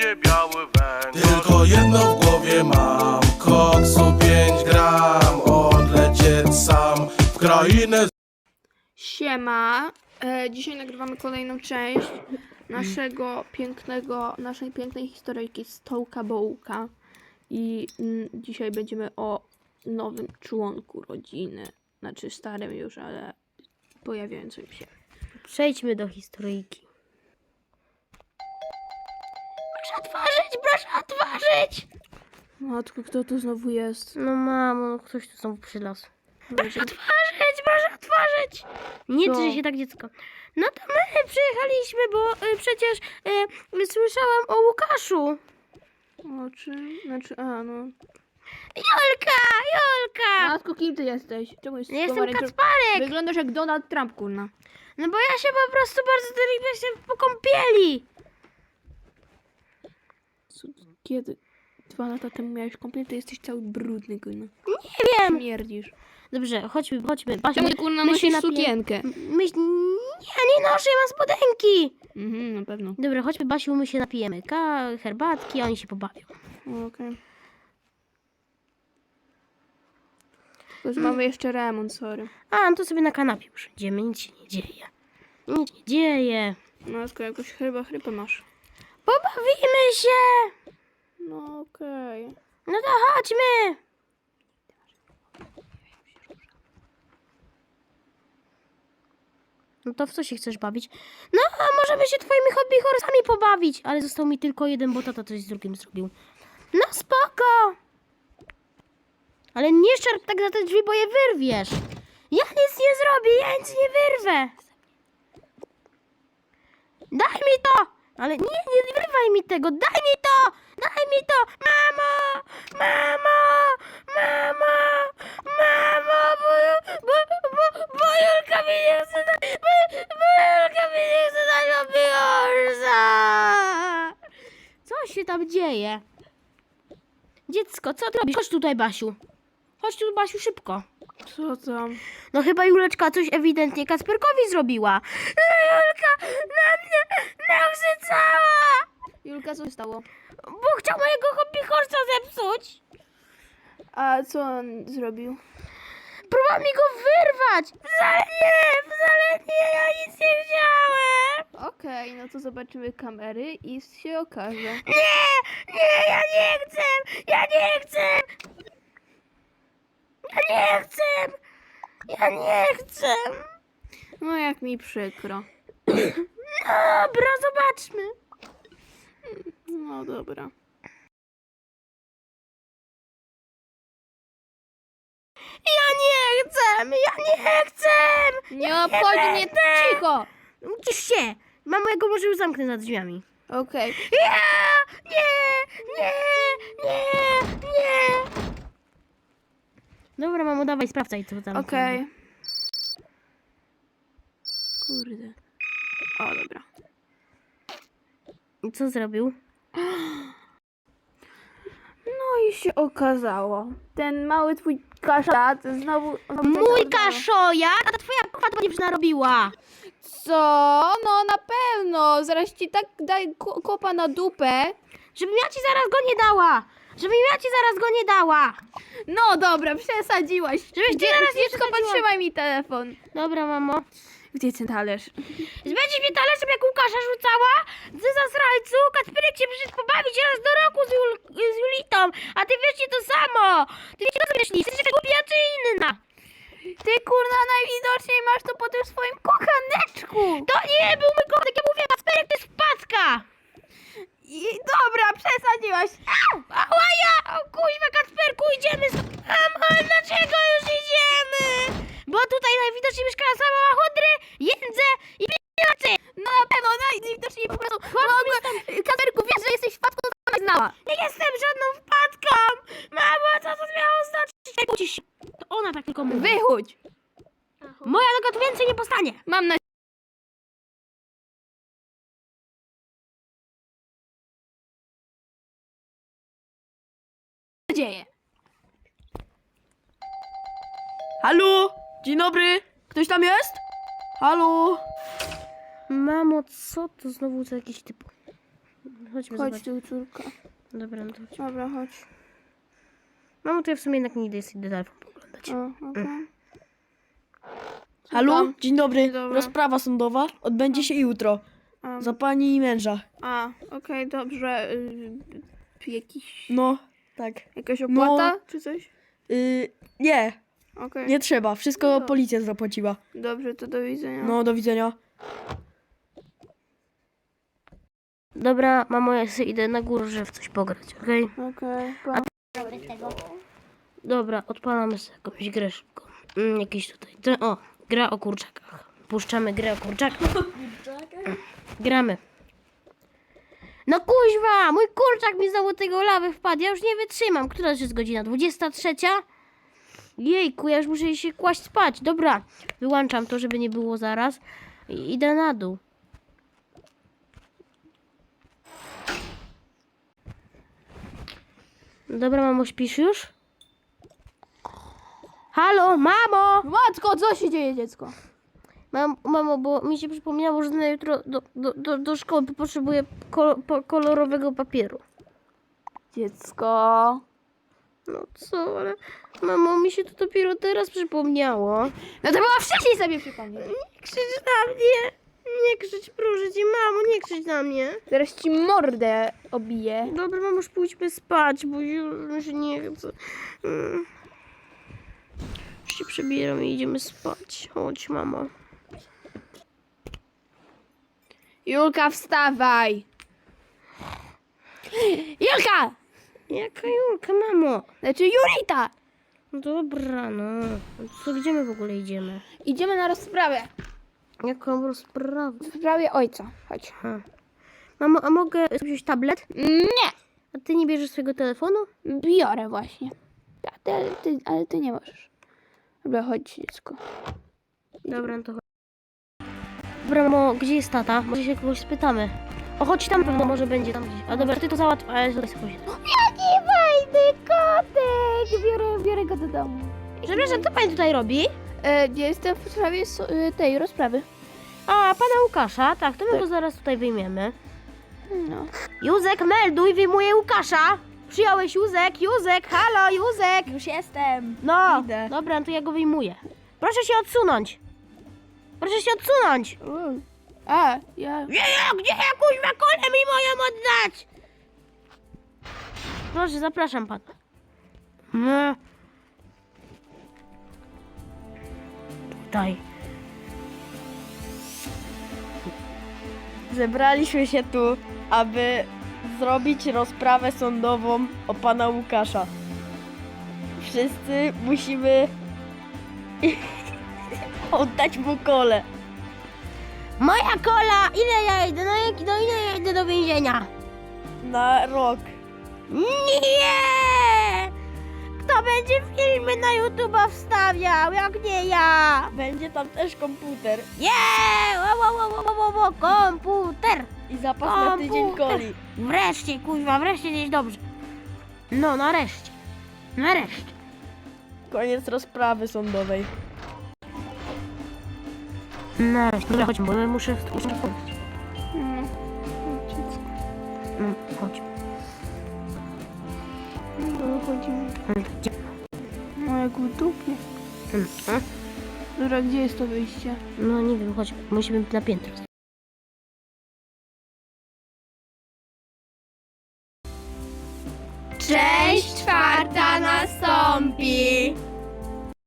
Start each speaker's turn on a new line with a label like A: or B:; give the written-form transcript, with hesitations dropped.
A: mnie biały węgiel.
B: Tylko jedno w głowie mam, koksu 5 gram, odlecieć sam w krainę.
C: Siema, dzisiaj nagrywamy kolejną część naszej pięknej historyjki Stołka Bołka i dzisiaj będziemy o nowym członku rodziny, znaczy starym już, ale pojawiającym się.
D: Przejdźmy do historyjki. Proszę otworzyć!
C: Matko, kto tu znowu jest?
D: No mamo, no ktoś tu znowu przylazł.
C: Proszę
D: Proszę otworzyć! Nie
C: Co?
D: drży się tak, dziecko. No to my przyjechaliśmy, bo przecież słyszałam o Łukaszu.
C: O czym? Znaczy, no.
D: Julka!
C: Matko, kim ty jesteś? Czemu jesteś
D: Ja jestem
C: pomarańczowy?
D: Kacparek!
C: Wyglądasz jak Donald Trump, kurna.
D: No bo ja się po prostu bardzo delikatnie się po kąpieli.
C: Kiedy? 2 lata temu miałeś komplet, to jesteś cały brudny, kurna.
D: Nie wiem.
C: Śmierdzisz.
D: Dobrze, chodźmy. Basiu,
C: Czemu ty, kurna,
D: my się
C: nosisz
D: napijemy.
C: sukienkę?
D: Nie noszę, ja mam spodenki.
C: Na pewno.
D: Dobra, chodźmy, Basiu, my się napijemy. Herbatki, a oni się pobawią.
C: Okej. Tylko, że mamy jeszcze remont, sorry.
D: A, no to sobie na kanapie usiądziemy, nic się nie dzieje. Nic nie dzieje.
C: No, skoro jakoś chyba chrypę masz.
D: Pobawimy się!
C: No okej.
D: No to chodźmy! No to w co się chcesz bawić? No, a możemy się twoimi hobby horsami pobawić. Ale został mi tylko jeden, bo tata coś z drugim zrobił. No spoko! Ale nie szarp tak za te drzwi, bo je wyrwiesz. Ja nic nie zrobię, ja nic nie wyrwę. Daj mi to! Ale nie wyrwaj mi tego, daj mi to! Daj mi to! Mamo! Bo Julka mi nie chce dać, bo Julka mi nie chce dać papierza! Co się tam dzieje? Dziecko, co ty robisz? Chodź tutaj, Basiu. Chodź tu, Basiu, szybko.
C: Co tam?
D: No chyba Juleczka coś ewidentnie Kacperkowi zrobiła. Julka na mnie nakrzycała!
C: Julka, co się stało?
D: Bo chciał mojego hobby horsa zepsuć.
C: A co on zrobił?
D: Próbował mi go wyrwać. Wcale nie, ja nic nie chciałem.
C: Okej, no to zobaczymy kamery i się okaże.
D: Nie, ja nie chcę. Ja nie chcę.
C: No jak mi przykro.
D: Dobra, zobaczmy.
C: No dobra.
D: Ja nie chcę.
C: Nie obchodzi mnie, cicho!
D: Cisz się. Mamo, ja go może już zamknę za drzwiami.
C: Okej.
D: Nie. Dobra, mamo, dawaj, sprawdzaj, co tam.
C: Okej. Kurde. O, dobra.
D: Co zrobił?
C: No i się okazało. Ten mały twój kaszat znowu...
D: Mój kaszojak? A ta twoja k***a to będzie narobiła.
C: Co? No na pewno. Zaraz ci tak daj kopa na dupę.
D: Żebym ja ci zaraz go nie dała.
C: No dobra, przesadziłaś.
D: Żebyś ty zaraz nie
C: Dziecko,
D: przesadziła.
C: podtrzymaj mi telefon.
D: Dobra, mamo.
C: Gdzie ten talerz?
D: Będziesz mnie talerzem jak Łukasza rzucała? Ty zasrajcu, Kacperek się przyszedł pobawić raz do roku z Julitą, a ty wiesz nie to samo. Ty wiesz, co myślisz? Jesteś jakaś głupia czy inna?
C: Ty kurna najwidoczniej masz to po tym swoim kochaneczku.
D: To nie był mój kotek, ja mówię, Kacperek to jest wpadka.
C: I dobra, przesadziłaś.
D: Ała ja! O kuźwa, Kacperku, idziemy Mamo, ale dlaczego już idziemy? Bo tutaj najwidoczniej mieszka sama chudry, jędzę i pieniądze.
C: No na pewno, najwidoczniej po prostu. Kamerku, wiesz, że jesteś wpadką, to ona znała.
D: Nie jestem żadną wpadką. Mamo, co to miało znaczyć? Nie kłócisz się. To ona tak tylko mówi.
C: Wychódź.
D: Moja noga tu więcej nie postanie.
C: Mam nadzieję. Halo? Dzień dobry. Ktoś tam jest? Halo?
D: Mamo, co to znowu za jakiś typ? Chodźmy
C: Chodź
D: zobaczyć.
C: tu, córka.
D: Dobra, no to chodźmy.
C: Dobra, chodź.
D: Mamo, to ja w sumie jednak nie idę, idę telefon poglądać.
C: O, okej.
A: Halo?
C: tam?
A: Dzień dobry.
C: Dzień dobry.
A: Rozprawa sądowa odbędzie się jutro. Za pani i męża.
C: Okej, dobrze.
A: No, tak.
C: Jakaś opłata
A: No.
C: czy coś?
A: Nie,
C: Okej.
A: nie trzeba. Wszystko policja zapłaciła.
C: Dobrze, to do widzenia.
A: No, do widzenia.
D: Dobra, mamo, ja sobie idę na górę, żeby w coś pograć, okej?
C: Okej,
D: Dobra, odpalamy sobie jakąś grę szybko. Jakiś tutaj. Gra o kurczakach. Puszczamy grę o kurczakach. Gramy. No kuźwa, mój kurczak mi znowu tego lawy wpadł. Ja już nie wytrzymam. Która już jest godzina? 23? Jejku, ja już muszę się kłaść spać. Dobra, wyłączam to, żeby nie było zaraz. I idę na dół. Dobra, mamo, śpisz już? Halo, mamo!
C: Matko, co się dzieje, dziecko?
D: Mamo, bo mi się przypomniało, że na jutro do szkoły potrzebuję kolorowego papieru.
C: Dziecko.
D: No co, ale mamo, mi się to dopiero teraz przypomniało.
C: No to była wcześniej sobie przypomnieć.
D: Nie krzycz na mnie! Nie krzycz, proszę cię, mamo, nie krzycz na mnie.
C: Zaraz ci mordę obiję.
D: Dobra, mamo, już pójdźmy spać, bo już mi się nie chce. Już się przebieram i idziemy spać. Chodź, mamo.
C: Julka, wstawaj. Julka!
D: Jaka Julka, mamo?
C: Znaczy Julita!
D: Dobra, no. Co, gdzie my w ogóle idziemy?
C: Idziemy na rozprawę.
D: Jaką rozprawę?
C: W sprawie ojca. Chodź.
D: Mamo, a mogę wziąć tablet?
C: Nie!
D: A ty nie bierzesz swojego telefonu?
C: Biorę właśnie. Ale ty nie możesz. Dobra, chodź, dziecko.
D: Dobra, no to chodź. Dobra, mamo, gdzie jest tata? Może się kogoś spytamy. O, chodź tam, pewno może będzie tam gdzieś. A dobra, ty to załatw, a ja tutaj sobie pójdę.
C: Jaki fajny kotek! Biorę go do domu.
D: Przepraszam, co pani tutaj robi?
C: Jestem w sprawie tej rozprawy.
D: A, pana Łukasza, tak, to my go zaraz tutaj wyjmiemy.
C: No.
D: Józek, melduj, wyjmuję Łukasza. Przyjąłeś Józek, Józek, halo, Józek.
C: Już jestem.
D: No,
A: Idę.
D: dobra, no to ja go wyjmuję. Proszę się odsunąć. Proszę się odsunąć.
C: Ja...
D: Gdzie ja kuźwa kolę mi moją oddać? Proszę, zapraszam pana. No. Tutaj.
A: Zebraliśmy się tu, aby zrobić rozprawę sądową o pana Łukasza. Wszyscy musimy oddać mu kolę.
D: Moja kola! Ile ja idę? No ile ja idę do więzienia?
A: Na rok.
D: Nie! Kto będzie filmy na YouTube'a wstawiał, jak nie ja?
A: Będzie tam też komputer
D: Nie! Komputer!
A: i zapas na tydzień
D: Komputer.
A: coli.
D: Wreszcie, kuźwa, wreszcie gdzieś dobrze. No, nareszcie. Nareszcie.
A: Koniec rozprawy sądowej.
D: Nareszcie. Dobra, chodźmy, bo ja muszę pójść.
C: Dziecko.
D: Chodź.
C: No, chodzimy.
D: Gdzie?
C: No, jak w dupie. Dobra, gdzie jest to wyjście?
D: No nie wiem, chodź. Musimy na piętro.
C: Część czwarta nastąpi.